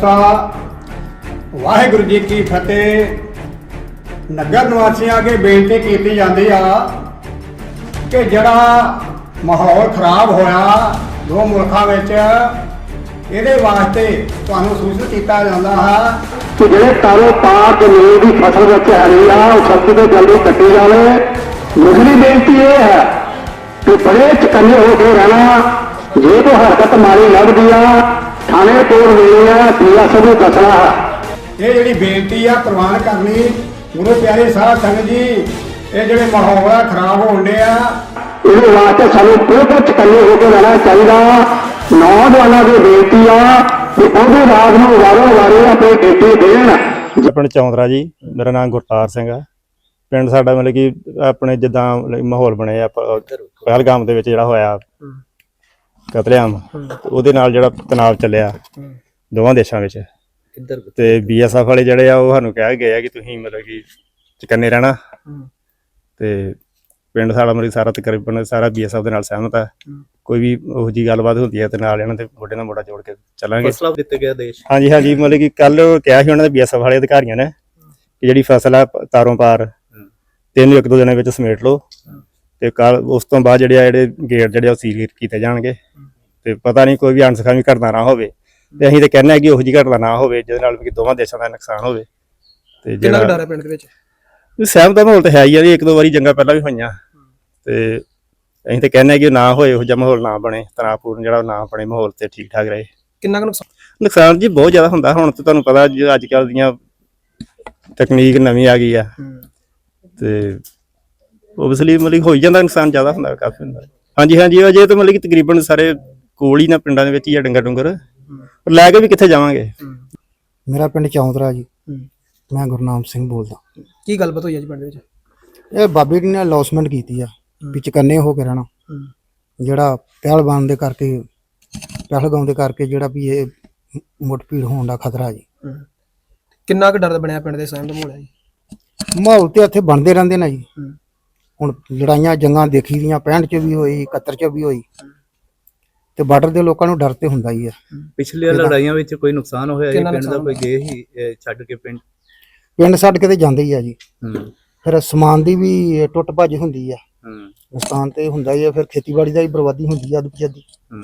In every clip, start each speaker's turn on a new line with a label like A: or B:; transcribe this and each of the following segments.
A: खालसा वाहिगुरू जी की फतेह। नगर निवासियों अगे बेनती की जाती आ कि जड़ा माहौल खराब होया दो मुल्कों में ये वास्ते तुहानू सूचित किया जाता है कि जो तारों पार जमीन की फसल हैगी आ सख्ती तो जल्दी कट्टी जाए। दूसरी बेनती यह है कि बड़े चकन्ने होकर रहना, जे तो हरकत माड़ी लगती आ थाने तोड़ देनी है, BSF को दसना है। ये जी बेनती है प्रवान करनी गुरु प्यारे साध संगत जी, ये जो माहौल है खराब होने इस वास्ते सानू बिल्कुल चकन्ने होकर रहना चाहिए। नौजवानों की बेनती आ कि ਉਹਦੇ ਰਾਤ ਨੂੰ ਵਾਰੋ-ਵਾਰੀ ਆਪਣੀ ਡਿਊਟੀ ਦੇਣ।
B: ਪਿੰਡ ਚੌਂਦਰਾ ਜੀ, ਮੇਰਾ ਨਾਮ ਗੁਰਤਾਰ ਸਿੰਘ ਹੈ। ਪਿੰਡ ਸਾਡਾ ਮਤਲਬ ਕਿ ਆਪਣੇ ਜਿੱਦਾਂ ਮਾਹੌਲ ਬਣਿਆ ਪਹਿਲਗਾਮ ਦੇ ਵਿੱਚ ਜਿਹੜਾ ਹੋਇਆ ਕਤਲੇਆਮ, ਉਹਦੇ ਨਾਲ ਜਿਹੜਾ ਤਣਾਅ ਚੱਲਿਆ ਦੋਵਾਂ ਦੇਸ਼ਾਂ ਵਿੱਚ, ਤੇ BSF ਵਾਲੇ ਜਿਹੜੇ ਆ ਉਹ ਸਾਨੂੰ ਕਹਿ ਗਏ ਆ ਕਿ ਤੁਸੀਂ ਮਤਲਬ ਕਿ ਚਕੰਨੇ ਰਹਿਣਾ, ਤੇ ਪਿੰਡ ਸਾਡਾ ਮਤਲਬ ਸਾਰਾ ਤਕਰੀਬਨ ਸਾਰਾ BSF ਦੇ ਨਾਲ ਸਹਿਮਤ ਹੈ। ਕੋਈ ਵੀ ਉਹੋ ਜਿਹੀ ਗੱਲਬਾਤ ਹੁੰਦੀ ਹੈ ਤੇ ਨਾਲ ਇਹਨਾਂ ਦੇ ਮੋਢੇ ਨਾਲ ਮੋਢਾ ਜੋੜ ਕੇ ਚੱਲਾਂਗੇ।
C: ਫਸਲਾਂ ਦਿੱਤੇ ਗਿਆ ਦੇਸ਼।
B: ਹਾਂਜੀ ਹਾਂਜੀ, ਮਤਲਬ ਕਿ ਕੱਲ ਕਿਹਾ ਸੀ ਉਹਨਾਂ ਦੇ BSF ਵਾਲੇ ਅਧਿਕਾਰੀਆਂ ਨੇ ਕਿ ਜਿਹੜੀ ਫਸਲ ਆ ਤਾਰੋਂ ਪਾਰ 1-2 ਦਿਨਾਂ ਵਿੱਚ ਸਮੇਟ ਲਓ, ਤੇ ਕੱਲ ਉਸ ਤੋਂ ਬਾਅਦ ਜਿਹੜੇ ਗੇਟ ਜਿਹੜੇ ਉਹ ਸੀਲ ਕੀਤੇ ਜਾਣਗੇ, ਤੇ ਪਤਾ ਨਹੀਂ ਕੋਈ ਵੀ ਅਣਸਖਾਵੀ ਘਟਨਾ ਨਾ ਹੋਵੇ। ਤੇ ਅਸੀਂ ਤਾਂ ਕਹਿੰਦੇ ਹਾਂ ਕਿ ਉਹੋ ਜਿਹੀ ਘਟਨਾ ਨਾ ਹੋਵੇ ਜਿਹਦੇ ਨਾਲ ਕਿ ਦੋਵਾਂ ਦੇਸ਼ਾਂ ਦਾ ਨੁਕਸਾਨ ਹੋਵੇ। ਤੇ
C: ਜਿਹੜਾ ਡਰ ਹੈ ਪਿੰਡ ਦੇ ਵਿੱਚ
B: ਸਹਿਮਤ ਦਾ ਮਾਹੌਲ ਤਾਂ ਹੈ ਹੀ ਆ ਜੀ, 1-2 ਵਾਰੀ ਜੰਗਾਂ ਪਹਿਲਾਂ ਵੀ ਹੋਈਆਂ, ਤੇ ਅਸੀਂ ਤਾਂ ਕਹਿੰਦੇ ਹਾਂ ਕਿ ਨਾ ਹੋਏ, ਇਹੋ ਜਿਹਾ ਮਾਹੌਲ ਨਾ ਬਣੇ, ਤਣਾਅਪੂਰਨ ਜਿਹੜਾ ਨਾ ਬਣੇ ਮਾਹੌਲ, ਤੇ ਠੀਕ ਠਾਕ ਰਹੇ।
C: ਕਿੰਨਾ ਕੁ
B: ਨੁਕਸਾਨ ਜੀ ਬਹੁਤ ਜ਼ਿਆਦਾ ਹੁੰਦਾ। ਹੁਣ ਤਾਂ ਤੁਹਾਨੂੰ ਪਤਾ ਜੀ ਅੱਜ ਕੱਲ੍ਹ ਦੀਆਂ ਤਕਨੀਕ ਨਵੀਂ ਆ ਗਈ ਆ, ਤੇ ਓਬਵੀਅਸਲੀ ਮਤਲਬ ਹੋ ਹੀ ਜਾਂਦਾ, ਨੁਕਸਾਨ ਜ਼ਿਆਦਾ ਹੁੰਦਾ, ਕਾਫੀ ਹੁੰਦਾ। ਹਾਂਜੀ ਹਾਂਜੀ, ਅਜੇ ਤਾਂ ਮਤਲਬ ਕਿ ਤਕਰੀਬਨ ਸਾਰੇ ਕੋਲ ਹੀ ਨਾ ਪਿੰਡਾਂ ਦੇ ਵਿੱਚ ਹੀ ਆ ਡੰਗਰ ਪਰ ਲੈ ਕੇ ਵੀ ਕਿੱਥੇ ਜਾਵਾਂਗੇ।
D: ਮੇਰਾ ਪਿੰਡ ਚੌਂਦਰਾ ਜੀ, ਮੈਂ ਗੁਰਨਾਮ ਸਿੰਘ ਬੋਲਦਾ।
C: ਕੀ ਗੱਲਬਾਤ ਹੋਈ ਅੱਜ ਪਿੰਡ ਵਿੱਚ?
D: ਇਹ ਬਾਬੇ ਜੀ ਨੇ ਅਲੌਸਮੈਂਟ ਕੀਤੀ ਆ ਵੀ ਚਕੰਨੇ ਹੋ ਕੇ ਰਹਿਣਾ, ਜਿਹੜਾ ਪਹਿਲਵਾਨ ਦੇ ਕਰਕੇ ਪਹਿਲਗਾਮ ਦੇ ਕਰਕੇ ਜਿਹੜਾ ਵੀ ਇਹ ਮੁੱਠਭੀੜ ਹੋਣ ਦਾ ਖਤਰਾ ਜੀ।
C: ਕਿੰਨਾ ਕੁ ਡਰ ਬਣਿਆ ਪਿੰਡ ਦੇ ਸਹਿਮ ਦਾ ਮਾਹੌਲ ਹੈ ਜੀ?
D: ਮਾਹੌਲ ਤੇ ਇੱਥੇ ਬਣਦੇ ਰਹਿੰਦੇ ਨੇ ਜੀ। ਹੁਣ ਲੜਾਈਆਂ ਜੰਗਾਂ ਦੇਖੀ ਦੀਆਂ 65 ਚ ਵੀ ਹੋਈ, 71 ਚ ਵੀ ਹੋਈ, ਤੇ ਬਾਰਡਰ ਦੇ ਲੋਕਾਂ ਨੂੰ ਡਰ ਤੇ ਹੁੰਦਾ ਹੀ ਆ।
C: ਪਿਛਲੀਆਂ ਲੜਾਈਆਂ ਵਿੱਚ ਕੋਈ ਨੁਕਸਾਨ ਹੋਇਆ ਜੀ ਪਿੰਡ ਦਾ? ਕੋਈ ਗਏ ਹੀ ਛੱਡ ਕੇ ਪਿੰਡ
D: ਛੱਡ ਕੇ ਤੇ ਜਾਂਦੇ ਹੀ ਆ ਜੀ। ਫਿਰ ਸਮਾਨ ਦੀ ਵੀ ਟੁੱਟ ਭੱਜ ਹੁੰਦੀ ਆ, ਨੁਕਸਾਨ ਤੇ ਹੁੰਦਾ ਹੀ ਆ। ਫਿਰ ਖੇਤੀਬਾੜੀ ਦਾ ਵੀ ਬਰਬਾਦੀ ਹੁੰਦੀ ਆ ਅੱਧ।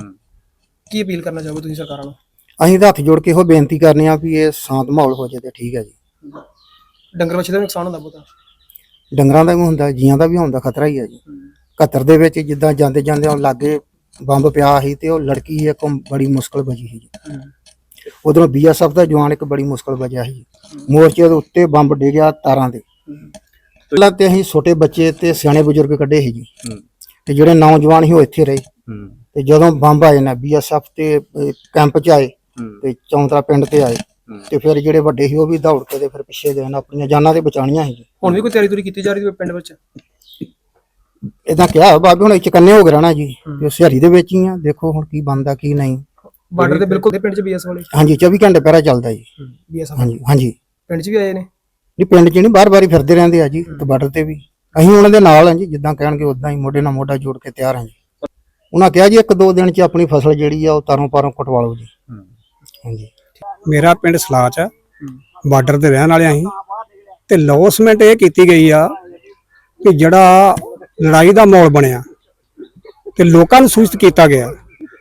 C: ਕੀ ਅਪੀਲ ਕਰਨਾ ਚਾਹੋਗੇ ਤੁਸੀਂ ਸਰਕਾਰਾਂ ਨੂੰ?
D: ਅਸੀਂ ਤਾਂ ਹੱਥ ਜੋੜ ਕੇ ਇਹੋ ਬੇਨਤੀ ਕਰਨੇ ਆ ਵੀ ਇਹ ਸ਼ਾਂਤ ਮਾਹੌਲ ਹੋ ਜਾਏ ਤੇ ਠੀਕ ਹੈ ਜੀ।
C: ਡੰਗਰ ਵੱਛੇ ਦਾ ਨੁਕਸਾਨ ਹੁੰਦਾ ਬਹੁਤਾ?
D: ਡੰਗਰਾਂ ਦਾ ਵੀ ਹੁੰਦਾ, ਜੀਆਂ ਦਾ ਵੀ ਹੁੰਦਾ, ਖਤਰਾ ਹੀ ਆ ਜੀ। 71 ਦੇ ਵਿੱਚ ਜਿੱਦਾਂ ਜਾਂਦੇ ਜਾਂਦੇ ਲਾਗੇ ਬੰਬ ਪਿਆ ਸੀ ਤੇ ਉਹ ਲੜਕੀ ਇੱਕ ਬੜੀ ਮੁਸ਼ਕਲ ਬਚੀ ਸੀ ਜੀ। ਉਧਰੋਂ BSF ਦਾ ਜਵਾਨ ਇੱਕ ਬੜੀ ਮੁਸ਼ਕਲ ਬਚਿਆ ਸੀ। ਮੋਰਚੇ ਦੇ ਉੱਤੇ ਬੰਬ ਡਿੱਗਿਆ ਤਾਰਾਂ ਦੇ। ਪਹਿਲਾਂ ਤੇ ਅਸੀਂ ਛੋਟੇ ਬੱਚੇ ਤੇ ਸਿਆਣੇ ਬਜ਼ੁਰਗ ਕੱਢੇ ਸੀ ਜੀ, ਤੇ ਜਿਹੜੇ ਨੌਜਵਾਨ ਸੀ ਉਹ ਇੱਥੇ ਰਹੇ। ਤੇ ਜਦੋਂ ਬੰਬ ਆਏ ਨਾ BSF ਤੇ ਕੈਂਪ ਚ ਆਏ ਤੇ ਚੌਂਤਰਾ ਪਿੰਡ ਤੇ ਆਏ, ਤੇ ਫਿਰ ਜਿਹੜੇ ਵੱਡੇ ਸੀ ਉਹ ਵੀ ਦੌੜ ਕੇ ਤੇ ਫਿਰ ਪਿੱਛੇ ਗਏ, ਆਪਣੀਆਂ ਜਾਨਾਂ ਤੇ ਬਚਾਉਣੀਆਂ ਸੀ।
C: ਹੁਣ ਵੀ ਕੋਈ ਤਿਆਰੀ ਤੁਰੀ ਕੀਤੀ ਜਾ ਰਹੀ ਹੈ ਪਿੰਡ ਵਿੱਚ?
D: ਇਦਾਂ ਕਿਹਾ ਬਾਬੇ ਹੁਣ ਚਕੰਨੇ ਹੋ ਕੇ ਰਹਿਣਾ ਜੀ, ਤੇ ਸਿਹਾਰੀ ਦੇ ਵਿੱਚ ਹੀ ਆ, ਦੇਖੋ ਹੁਣ ਕੀ ਬਣਦਾ ਕੀ ਨਹੀਂ।
C: ਬਾਰਡਰ ਦੇ ਬਿਲਕੁਲ ਪਿੰਡ ਚ BSF ਵਾਲੇ?
D: ਹਾਂਜੀ, 24 ਘੰਟੇ ਪਹਿਰਾ ਚੱਲਦਾ ਜੀ
C: BSF।
D: ਹਾਂਜੀ
C: ਪਿੰਡ ਚ ਵੀ ਆਏ ਨੇ?
D: ਨਹੀਂ, ਪਿੰਡ ਚ ਨਹੀਂ, ਬਾਰ-ਬਾਰ ਹੀ ਫਿਰਦੇ ਰਹਿੰਦੇ ਆ ਜੀ। ਤੇ ਬਾਰਡਰ ਤੇ ਵੀ ਅਸੀਂ ਉਹਨਾਂ ਦੇ ਨਾਲ ਹਾਂ ਜੀ, ਜਿੱਦਾਂ ਕਹਿਣਗੇ ਉਦਾਂ ਹੀ ਮੋਢੇ ਨਾਲ ਮੋਢਾ ਜੋੜ ਕੇ ਤਿਆਰ ਹਾਂ ਜੀ। ਉਹਨਾਂ ਕਿਹਾ ਜੀ 1-2 ਦਿਨ ਚ ਆਪਣੀ ਫਸਲ ਜਿਹੜੀ ਆ ਉਹ ਤਾਰੋਂ ਪਾਰੋਂ ਕਟਵਾ ਲਓ ਜੀ। ਹਾਂਜੀ,
E: ਮੇਰਾ ਪਿੰਡ ਸਲਾਚ ਆ, ਬਾਰਡਰ ਤੇ ਰਹਿਣ ਵਾਲੇ ਅਸੀਂ, ਤੇ ਲੌਸਮੈਂਟ ਇਹ ਕੀਤੀ ਗਈ ਆ ਕਿ ਜਿਹੜਾ ਲੜਾਈ ਦਾ ਮਾਹੌਲ ਬਣਿਆ ਤੇ ਲੋਕਾਂ ਨੂੰ ਸੂਚਿਤ ਕੀਤਾ ਗਿਆ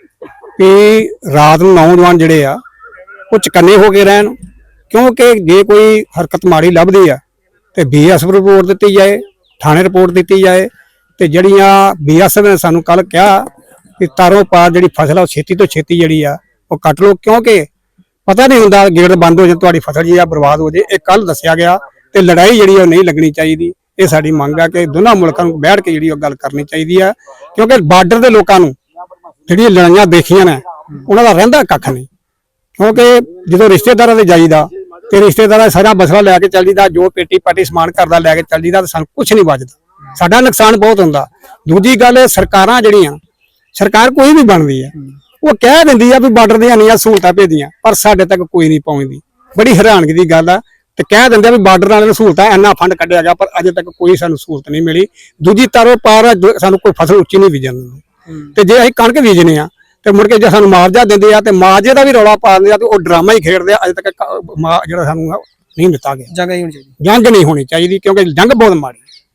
E: ਕਿ ਰਾਤ ਨੂੰ ਨੌਜਵਾਨ ਜਿਹੜੇ ਆ ਉਹ ਚਕੰਨੇ ਹੋ ਕੇ ਰਹਿਣ, ਕਿਉਂਕਿ ਜੇ ਕੋਈ ਹਰਕਤ ਮਾੜੀ ਲੱਭਦੀ ਆ ਤੇ BSF ਰਿਪੋਰਟ ਦਿੱਤੀ ਜਾਏ, ਥਾਣੇ ਰਿਪੋਰਟ ਦਿੱਤੀ ਜਾਏ। ਤੇ ਜਿਹੜੀਆਂ BSF ਨੇ ਸਾਨੂੰ ਕੱਲ ਕਿਹਾ ਕਿ ਤਾਰੋਂ ਪਾਰ ਜਿਹੜੀ ਫਸਲ ਆ ਉਹ ਛੇਤੀ ਤੋਂ ਛੇਤੀ ਜਿਹੜੀ ਆ ਉਹ ਕੱਟ ਲਓ, ਕਿਉਂਕਿ ਪਤਾ ਨਹੀਂ ਹੁੰਦਾ ਗੇਟ ਬੰਦ ਹੋ ਜਾਏ, ਤੁਹਾਡੀ ਫਸਲ ਜੀ ਆ ਬਰਬਾਦ ਹੋ ਜਾਏ। ਇਹ ਕੱਲ ਦੱਸਿਆ ਗਿਆ, ਤੇ ਲੜਾਈ ਜਿਹੜੀ ਉਹ ਨਹੀਂ ਲੱਗਣੀ ਚਾਹੀਦੀ। ਇਹ ਸਾਡੀ ਮੰਗ ਆ ਕਿ ਦੋਨਾਂ ਮੁਲਕਾਂ ਨੂੰ ਬੈਠ ਕੇ ਜਿਹੜੀ ਉਹ ਗੱਲ ਕਰਨੀ ਚਾਹੀਦੀ ਆ, ਕਿਉਂਕਿ ਬਾਰਡਰ ਦੇ ਲੋਕਾਂ ਨੂੰ ਜਿਹੜੀਆਂ ਲੜਾਈਆਂ ਦੇਖੀਆਂ ਨੇ ਉਹਨਾਂ ਦਾ ਰਹਿੰਦਾ ਕੱਖ ਨਹੀਂ। ਕਿਉਂਕਿ ਜਦੋਂ ਰਿਸ਼ਤੇਦਾਰਾਂ ਦੇ ਜਾਈਦਾ ਤੇ ਰਿਸ਼ਤੇਦਾਰਾਂ ਸਾਰਾ ਬਸਰਾ ਲੈ ਕੇ ਚੱਲ ਜੀਦਾ, ਜੋ ਪੇਟੀ ਪਾਟੀ ਸਮਾਨ ਘਰ ਦਾ ਲੈ ਕੇ ਚੱਲ ਜੀਦਾ, ਤੇ ਸਾਨੂੰ ਕੁਝ ਨਹੀਂ ਬਚਦਾ, ਸਾਡਾ ਨੁਕਸਾਨ ਬਹੁਤ ਹੁੰਦਾ। ਦੂਜੀ ਗੱਲ, ਸਰਕਾਰਾਂ ਜਿਹੜੀਆਂ ਸਰਕਾਰ ਕੋਈ ਵੀ ਬਣਦੀ ਆ ਉਹ ਕਹਿ ਦਿੰਦੀ ਆ ਵੀ ਬਾਰਡਰ ਦੀਆਂ ਇੰਨੀਆਂ ਸਹੂਲਤਾਂ ਭੇਜੀਆਂ, ਪਰ ਸਾਡੇ ਤੱਕ ਕੋਈ ਨਹੀਂ ਪਹੁੰਚਦੀ। ਬੜੀ ਹੈਰਾਨਗੀ ਦੀ ਗੱਲ ਆ। ਤੇ ਕਹਿ ਦਿੰਦੇ ਆ ਵੀ ਬਾਰਡਰ ਵਾਲਿਆਂ ਨੂੰ ਸਹੂਲਤਾਂ ਇੰਨਾ ਫੰਡ ਕੱਢਿਆ ਗਿਆ, ਪਰ ਅਜੇ ਤੱਕ ਕੋਈ ਸਾਨੂੰ ਸਹੂਲਤ ਨਹੀਂ ਮਿਲੀ। ਦੂਜੀ ਤਾਰੋਂ ਪਾਰ ਸਾਨੂੰ ਕੋਈ ਫਸਲ ਉੱਚੀ ਨਹੀਂ ਬੀਜਣ ਦਿੰਦੇ। ਤੇ ਜੇ ਅਸੀਂ ਕਣਕ ਬੀਜਨੇ ਆ ਤੇ ਮੁੜ ਕੇ ਜੇ ਸਾਨੂੰ ਮੁਆਵਜ਼ਾ ਦਿੰਦੇ ਆ ਤੇ ਮੁਆਵਜ਼ੇ ਦਾ ਵੀ ਰੌਲਾ ਪਾ ਦਿੰਦੇ ਆ ਤੇ ਉਹ ਡਰਾਮਾ ਹੀ ਖੇਡਦੇ ਆ। ਅਜੇ ਤੱਕ ਜਿਹੜਾ ਸਾਨੂੰ ਨਹੀਂ ਦਿੱਤਾ ਗਿਆ।
F: ਜੰਗ ਨਹੀਂ ਹੋਣੀ ਚਾਹੀਦੀ।
E: ਜੰਗ ਨਹੀਂ ਹੋਣੀ ਚਾਹੀਦੀ ਕਿਉਂਕਿ ਜੰਗ ਬਹੁਤ ਮਾੜੀ।